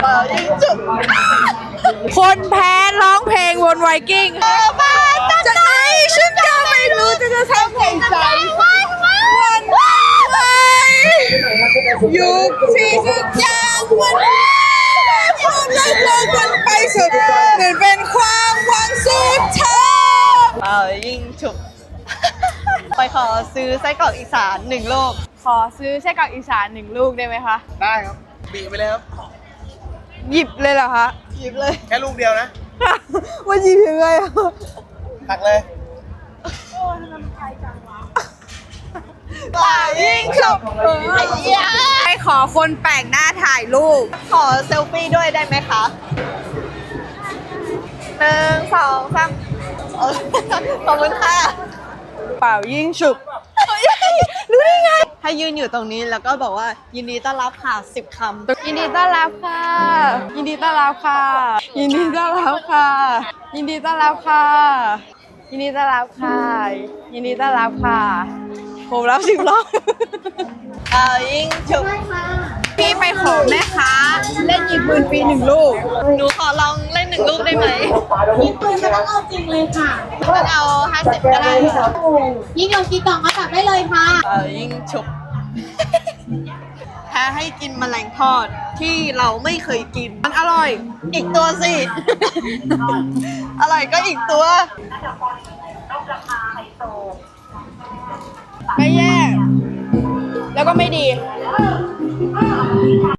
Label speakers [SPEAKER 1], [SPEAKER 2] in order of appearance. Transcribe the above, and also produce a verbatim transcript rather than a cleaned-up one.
[SPEAKER 1] ยิงจุก
[SPEAKER 2] คนแพ้ร้องเพลงวนไวกิ้งมาจะไหนฉันก็ไม่รู้จะจะทำไงใจวันวันวันยุคที่ทุกอย่างมันความรักเรามันไปสุดเหมือนเป็นความหวังสุดท้าย
[SPEAKER 1] เป่ายิงจุกไปขอซื้อไส้กรอกอีสานหนึ่งลูก
[SPEAKER 2] ขอซื้อไส้กรอกอีสานหนึ่งลูกได้ไหมคะ
[SPEAKER 3] ได้ครับบีบไปเลยครับ
[SPEAKER 2] หยิบเลยเหรอคะ
[SPEAKER 1] หยิบเลย
[SPEAKER 3] แค่ลูกเดียวนะ
[SPEAKER 2] ว่าหยิบยังไงอะ
[SPEAKER 3] ตักเลย
[SPEAKER 1] เป่ายิงจุกไอ้เหี้ย
[SPEAKER 2] ไปขอคนแปลกหน้าถ่ายรูป
[SPEAKER 1] ขอเซลฟี่ด้วยได้ไหมคะหนึ่งสองสามเออขอบคุณค่ะ
[SPEAKER 2] เป่ายิ่งฉุบ
[SPEAKER 1] รู้ได้ไง ให้ยืนอยู่ตรงนี้แล้วก็บอกว่ายินดีต้อนรับค่ะสิบคำ
[SPEAKER 2] ยินดีต้อนรับค่ะ ยินดีต้อนรับค่ะ ยินดีต้อนรับค่ะ ยินดีต้อนรับค่ะ ยินดีต้อนรับค่ะ ยินดีต้อนรับค่ะ ผมรับสิบรอบ
[SPEAKER 1] เป่ายิงจุก
[SPEAKER 2] พี่ไปขอแม่ค้าเล่นยิงปืนฟรีหนึ่งลูก
[SPEAKER 1] หนูขอลองเล่นหนึ่งลูกได้ไหม
[SPEAKER 4] ยิงปืนไม่ต้องเอาจริงเลยค่ะ
[SPEAKER 1] มันเอาห้าสิบก็ได้ค่ะ
[SPEAKER 4] ยิงโยนกี่กล่องก็จับได้เลยค่ะ
[SPEAKER 1] เป่ายิงฉุบแพ้ให้กินแมลงทอดที่เราไม่เคยกิน
[SPEAKER 2] มันอร่อย
[SPEAKER 1] อีกตัวสิ อร่อยก็อีกตัว
[SPEAKER 2] ไม่แย่ แล้วก็ไม่ดี